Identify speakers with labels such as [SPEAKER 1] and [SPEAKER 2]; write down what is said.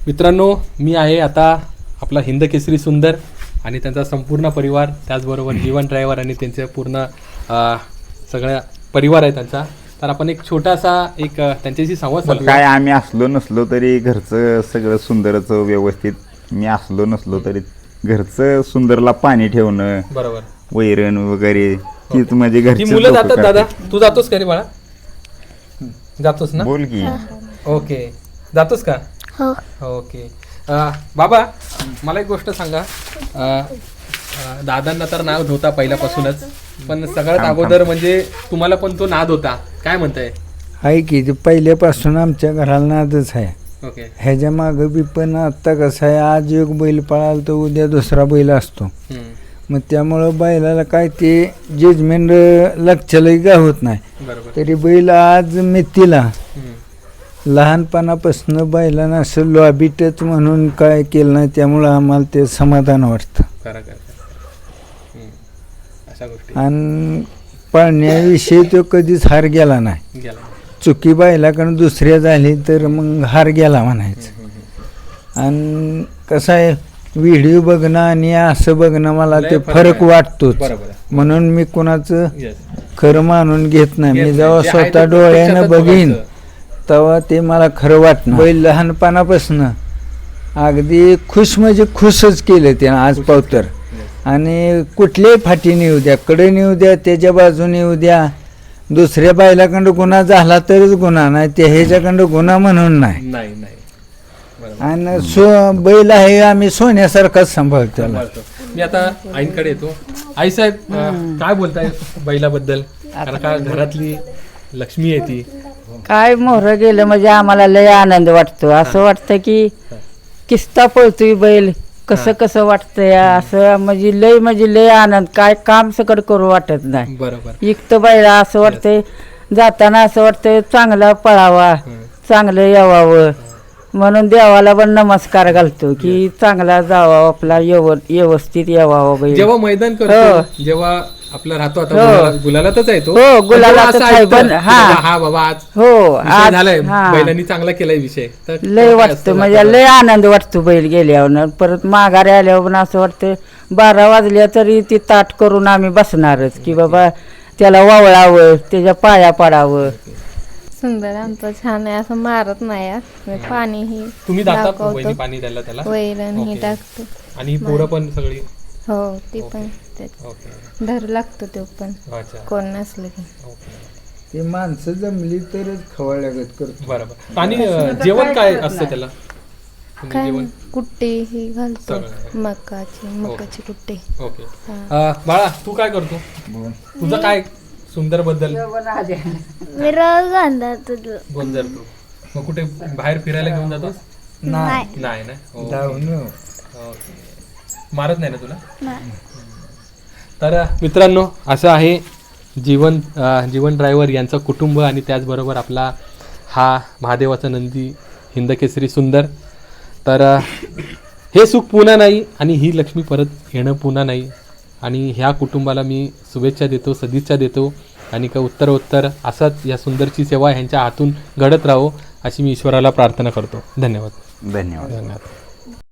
[SPEAKER 1] मित्रांनो, मी आहे आता आपला हिंद केसरी सुंदर आणि त्यांचा संपूर्ण परिवार, त्याचबरोबर जीवन ड्रायव्हर आणि त्यांचे पूर्ण सगळा परिवार आहे त्यांचा. तर आपण एक छोटासा त्यांच्याशी संवाद साधूया.
[SPEAKER 2] काय आम्ही असलो नसलो तरी घरचं सगळं सुंदरच व्यवस्थित, मी असलो नसलो तरी घरचं सुंदरला पाणी ठेवणं,
[SPEAKER 1] बरोबर,
[SPEAKER 2] वैरण वगैरे तीच म्हणजे
[SPEAKER 1] ती
[SPEAKER 2] घरची
[SPEAKER 1] मुलं जातात. दादा तू जातोस का रे बाळा? जातोस ना?
[SPEAKER 2] बोल की.
[SPEAKER 1] ओके, जातोस का?
[SPEAKER 3] हो.
[SPEAKER 1] ओके. बाबा, मला एक गोष्ट सांगा. दादांना तर नाद होता पहिल्यापासूनच, पण सगळ्यात अगोदर म्हणजे तुम्हाला पण तो नाद होता, काय म्हणताय?
[SPEAKER 4] आहे की ते पहिल्यापासून आमच्या घराला नादच आहे.
[SPEAKER 1] ओके.
[SPEAKER 4] ह्याच्या मागं बी पण आत्ता कसं आहे, आज एक बैल पळाला तर उद्या दुसरा बैल असतो. मग त्यामुळं बैलाला काय ते जजमेंट लक्षालाही काय होत नाही.
[SPEAKER 1] बरोबर.
[SPEAKER 4] तरी बैल आज मितीला लहानपणापासून बैलांना असं लॉबीटच म्हणून काय केलं नाही, त्यामुळं आम्हाला ते समाधान वाटतं.
[SPEAKER 1] खरं खरं. अशा गोष्टी
[SPEAKER 4] आणि पळण्याविषयी तो कधीच हार गेला नाही.
[SPEAKER 1] गेला.
[SPEAKER 4] चुकी बैलाकडून दुसऱ्या झाली तर मग हार गेला म्हणायचं. आणि कसं आहे, व्हिडिओ बघणं आणि असं बघणं मला ते फरक वाटतोच.
[SPEAKER 1] बरोबर.
[SPEAKER 4] म्हणून मी कोणाचं
[SPEAKER 1] Yes.
[SPEAKER 4] खरं मानून घेत नाही.
[SPEAKER 1] घेत
[SPEAKER 4] मी
[SPEAKER 1] नाही.
[SPEAKER 4] जेव्हा
[SPEAKER 1] जे आहे ते
[SPEAKER 4] स्वतः डोळ्यानं
[SPEAKER 1] प्रत्यक्षातच
[SPEAKER 4] बघीन
[SPEAKER 1] बघायचं.
[SPEAKER 4] तेव्हा ते मला खरं वाटणं. बैल लहानपणापासून अगदी खुश म्हणजे खुशच केलं त्यानं आज पावतर. आणि कुठल्याही फाटीने येऊ द्या, कडेने येऊ द्या, त्याच्या बाजूने येऊ द्या, दुसऱ्या बैलाकडं गुन्हा झाला तरच गुन्हा, नाही ते ह्याच्याकडं गुन्हा म्हणून नाही.
[SPEAKER 1] नाही नाही. बरोबर.
[SPEAKER 4] आणि बैल आहे, आम्ही सोन्यासारखाच सांभाळतो त्याला.
[SPEAKER 1] सांभाळतो. मी आता आईंकडे येतो. आई साहेब, काय बोलताय बैलाबद्दल? कारण का घरातली लक्ष्मी आहे ती.
[SPEAKER 5] काय मोहरं गेलं म्हणजे आम्हाला लय आनंद वाटतो. असं वाटतं की किस्ता पळतोय बैल, कसं कसं वाटतंय असं, म्हणजे लय आनंद. काय काम सकट करू वाटत नाही.
[SPEAKER 1] बरोबर.
[SPEAKER 5] इकतं बैला असं वाटतंय, जाताना असं वाटतंय चांगला पळावा, चांगलं यावावं. म्हणून देवाला पण नमस्कार घालतो की चांगला जावा आपला, व्यवस्थित यावा बैल.
[SPEAKER 1] जेव्हा मैदान करतो, जेव्हा आपला राहतो, आता गुलालातच आहे तो.
[SPEAKER 5] हो, गुलालातच
[SPEAKER 1] असं
[SPEAKER 5] आहे,
[SPEAKER 1] ऐकतं
[SPEAKER 5] पण
[SPEAKER 1] की
[SPEAKER 5] हा.
[SPEAKER 1] हा बाबा आज
[SPEAKER 5] हो,
[SPEAKER 1] विषय
[SPEAKER 5] आज
[SPEAKER 1] झालाय,
[SPEAKER 5] हा.
[SPEAKER 1] बैलांनी चांगला केलाय विषय. तर
[SPEAKER 5] लय
[SPEAKER 1] काय
[SPEAKER 5] वाटतं,
[SPEAKER 1] असतं
[SPEAKER 5] म्हणजे
[SPEAKER 1] वातावरण?
[SPEAKER 5] लय आनंद वाटतो बैल गेल्यावर. परत माघारी आल्यावर पण असं वाटतं 12 वाजल्या तरी ती ताट करून आम्ही बसणारच की बाबा त्याला वावळावं, त्याच्या पाया पडावं.
[SPEAKER 3] सुंदर आमचं छान आहे, असं मारत नाही. पाणीही
[SPEAKER 1] तुम्ही जातात
[SPEAKER 3] दाखवतो.
[SPEAKER 1] वहिनी पाणी द्यायला त्याला?
[SPEAKER 3] वैरण ही
[SPEAKER 1] ओके.
[SPEAKER 3] टाकतो.
[SPEAKER 1] आणि ही पोरं पण सगळी?
[SPEAKER 3] हो, ती पण
[SPEAKER 1] ओके.
[SPEAKER 3] धरू लागतो तो पण,
[SPEAKER 1] अच्छा.
[SPEAKER 3] कोण नसलं की.
[SPEAKER 1] ओके.
[SPEAKER 4] ते माणसं जमली तरच खवळल्यागत करतो.
[SPEAKER 1] बरोबर. आणि जेवण काय असतं त्याला? तुम्ही
[SPEAKER 3] काय
[SPEAKER 1] जेवण?
[SPEAKER 3] कुट्टी ही घालतो,
[SPEAKER 1] सगळं.
[SPEAKER 3] मकाची कुट्टी.
[SPEAKER 1] ओके. बाळा, तू काय करतो? तुझं काय सुंदर बद्दल?
[SPEAKER 3] मी रोज आणतो.
[SPEAKER 1] गोंजर तू मग कुठे बाहेर फिरायला घेऊन जातोस?
[SPEAKER 4] नाही
[SPEAKER 1] नाही ना.
[SPEAKER 4] धावून
[SPEAKER 1] ओके. मारत नाही ना तुला? तर मित्रांनो, असं आहे जीवन ड्रायव्हर यांचं कुटुंब आणि त्याचबरोबर आपला हा महादेवाचा नंदी हिंद केसरी सुंदर. तर हे सुख पुन्हा नाही आणि ही लक्ष्मी परत येणं पुन्हा नाही. आणि ह्या कुटुंबाला मी शुभेच्छा देतो, सदिच्छा देतो आणि का उत्तरोत्तर असाच या सुंदरची सेवा ह्यांच्या हातून घडत राहो अशी मी ईश्वराला प्रार्थना करतो. धन्यवाद.
[SPEAKER 2] धन्यवाद.
[SPEAKER 1] धन्यवाद.